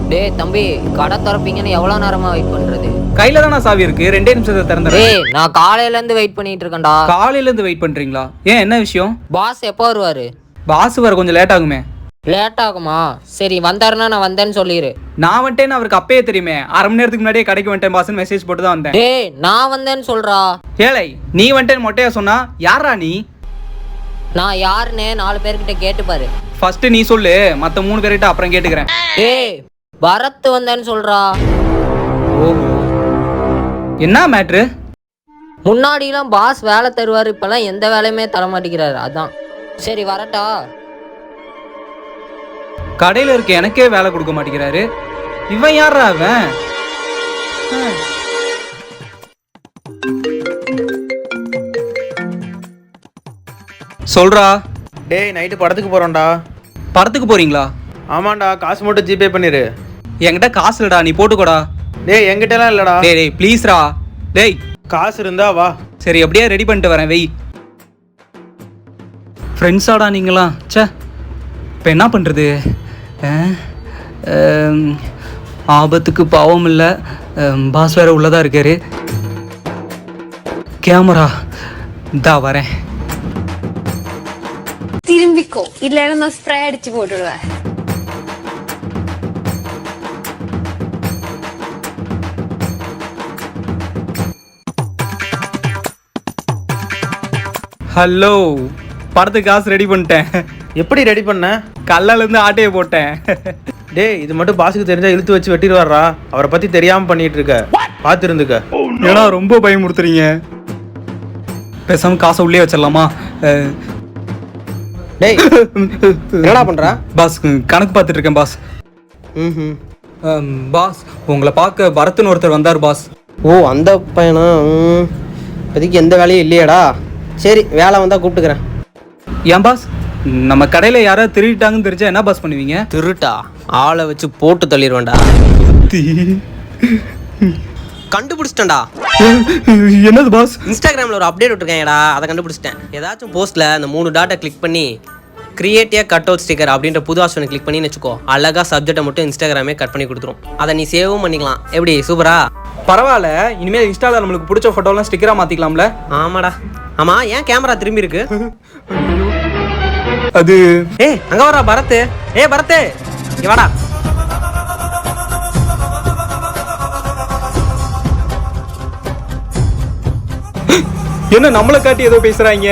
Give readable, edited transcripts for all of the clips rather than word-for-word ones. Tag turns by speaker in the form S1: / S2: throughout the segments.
S1: டேய் தம்பி, கடை திறப்பீங்கன்னு எவ்வளவு நேரமா வெயிட் பண்றது?
S2: கையில தானே சாவி இருக்கு, 2 நிமிஷத்தை திறந்துறேன்.
S1: டேய், நான் காலையில இருந்து வெயிட் பண்ணிட்டு இருக்கேன்டா.
S2: காலையில இருந்து வெயிட் பண்றீங்களா? ஏன், என்ன விஷயம்?
S1: பாஸ் எப்போ வருவாரு?
S2: பாஸ் வர கொஞ்சம் லேட் ஆகுமே.
S1: லேட் ஆகுமா? சரி, வந்தாருன்னா நான் வந்தேன்னு சொல்லிடு.
S2: நான் வந்துட்டேன்னு அவருக்கு அப்பயே தெரியுமே. 1/2 மணி நேரத்துக்கு முன்னாடியே கடைக்கு வந்துட்டேன் பாஸ்ன்னு மெசேஜ் போட்டு தான் வந்தேன்.
S1: டேய், நான் வந்தேன்னு சொல்றா.
S2: ஏழை, நீ வந்துட்டேன்னு மொட்டையா சொன்னா யாரா நீ?
S1: நான் யாருன்னு 4 பேர்கிட்ட கேட்டு பாரு.
S2: ஃபர்ஸ்ட் நீ சொல்லு, மத்த 3 பேர்கிட்ட அப்புறம் கேட்டுக்கிறேன்.
S1: டேய், பரத் வந்தேன்னு சொல்றா.
S2: ஓஹோ, என்ன மேட்ரு?
S1: முன்னாடிலாம் பாஸ் வேலை தருவாரு, இப்பெல்லாம் எந்த வேலையுமே தர மாட்டேங்கிறாரு. அதான். சரி, வரட்டா?
S2: கடையில இருக்க எனக்கே வேலை கொடுக்க மாட்டேங்கிறாரு. இவன் யாரா அவன்? சொல்றா.
S3: டேய், நைட்டு படத்துக்கு போகிறோம்டா.
S2: படத்துக்கு போறீங்களா?
S3: ஆமாண்டா, காசு மட்டும் ஜிபே பண்ணிடு.
S2: என்கிட்ட காசு இல்லடா, நீ போட்டுக்கோடா.
S3: டேய், என்கிட்டலாம் இல்லைடா.
S2: டேய் டேய் ப்ளீஸ்ரா. டேய்,
S3: காசு இருந்தா வா.
S2: சரி, அப்படியே ரெடி பண்ணிட்டு வரேன், வெய். ஃப்ரெண்ட்ஸாடா நீங்களாம்? ச்சே, இப்போ என்ன பண்ணுறது? ஆபத்துக்கு பாவம் இல்லை, பாஸ் வேற உள்ளதாக இருக்காரு. கேமரா இதா வரேன்.
S4: திரும்பிக்கோ, இல்லைன்னா நான் ஸ்ப்ரே அடிச்சு போட்டுடுவேன்.
S2: ஹலோ, படத்துக்கு காசு ரெடி பண்ணிட்டேன்.
S3: எப்படி ரெடி பண்ண?
S2: கல்லாலேருந்து ஆட்டையை போட்டேன்.
S3: டேய், இது மட்டும் பாஸுக்கு தெரிஞ்சா இழுத்து வச்சு வெட்டிடுவாரா? அவரை பற்றி தெரியாமல் பண்ணிட்டு இருக்க, பார்த்து இருந்துக்க.
S2: ஏன்னா ரொம்ப பயமுறுத்துறீங்க. பேசாம காசை உள்ளே வச்சிடலாமா?
S3: டேய், என்னடா பண்ற?
S2: பாஸ், கணக்கு பார்த்துட்டு இருக்கேன் பாஸ். பாஸ், உங்களை பார்க்க பரத்னு ஒருத்தர் வந்தார் பாஸ்.
S5: ஓ, அந்த பையனா? இப்போதைக்கு எந்த வேலையும் இல்லையாடா? சரி, வேலை வந்தால் கூப்பிட்டுக்கிறேன்.
S2: ஏன் பாஸ், நம்ம கடையில் யாராவது திருடிட்டாங்கன்னு தெரிஞ்சா என்ன பாஸ் பண்ணுவீங்க?
S5: திருட்டா? ஆளை வச்சு போட்டு தள்ளிடுவேன்டா. கண்டுபிடிச்சிட்டேன்டா.
S2: என்னது பாஸ்?
S5: இன்ஸ்டாகிராமில் ஒரு அப்டேட் விட்டுருக்கேன்டா, அதை கண்டுபிடிச்சிட்டேன். ஏதாச்சும் போஸ்ட்டில் அந்த 3 டாட்டை கிளிக் பண்ணி கிரியேட்டிவ் கட் அவுட் ஸ்டிக்கர் அப்படின்ற புது ஆப்ஷனை கிளிக் பண்ணி வச்சுக்கோ. அழகாக சப்ஜெக்டை மட்டும் இன்ஸ்டாகிராமே கட் பண்ணி கொடுத்துரும். அதை நீ சேவும் பண்ணிக்கலாம். எப்படி, சூப்பரா?
S2: பரவாயில்ல, இனிமேல் இன்ஸ்டாவில் நம்மளுக்கு பிடிச்ச ஃபோட்டோலாம் ஸ்டிக்கராக மாற்றிக்கலாம்ல?
S5: ஆமாடா. ஆமாம், ஏன் கேமரா திரும்பி இருக்கு?
S2: அது
S5: அங்கே வரா பரத். பரத், இங்க வாடா.
S2: என்ன நம்மளை காட்டி ஏதோ பேசுறாங்க?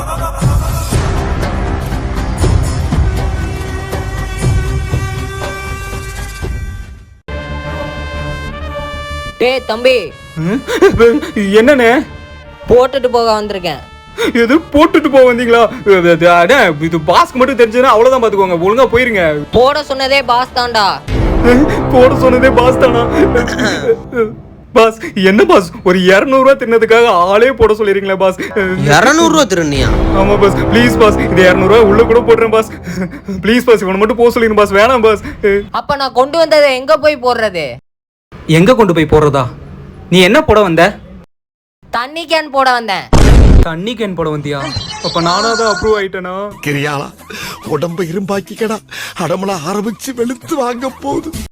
S1: டேய் தம்பி,
S2: என்னன்னு?
S1: போட்டுட்டு போக வந்திருக்கேன்.
S2: எது போட்டுட்டு போக வந்தீங்களா? இது பாஸ்க்கு மட்டும் தெரிஞ்சதுன்னா அவ்வளவுதான், பாத்துக்கோங்க. ஒழுங்கா போயிருங்க.
S1: போட சொன்னதே பாஸ் தான்டா.
S2: போட சொன்னதே பாஸ் தானா? பாஸ், என்ன பாஸ், ஒரு 200 ரூபா தின்னதுக்காக ஆளே போட சொல்லிருக்கீங்களா பாஸ்?
S5: 200 ரூபா திருநியா?
S2: ஆமா பாஸ், ப்ளீஸ் பாஸ், இது 200 ரூபா உள்ள கூட போடுறேன் பாஸ். ப்ளீஸ் பாஸ், இவனை மட்டும் போக சொல்லிருங்க பாஸ். வேணாம் பாஸ்.
S1: அப்ப நான் கொண்டு வந்ததை எங்க போய் போடுறது?
S2: எங்க கொண்டு போய் போடுறதா? நீ என்ன போட வந்த?
S1: தண்ணி கேன் போட வந்தேன்.
S2: தண்ணி கேன் போட வந்தியா? அப்ப நானாதான் அப்ரூவ் ஆயிட்டேனா?
S6: கிரியாளா, உடம்ப இரும்பாக்கிக்கடா, அடமள ஆரம்பிச்சு வெளுத்து வாங்க போகுது.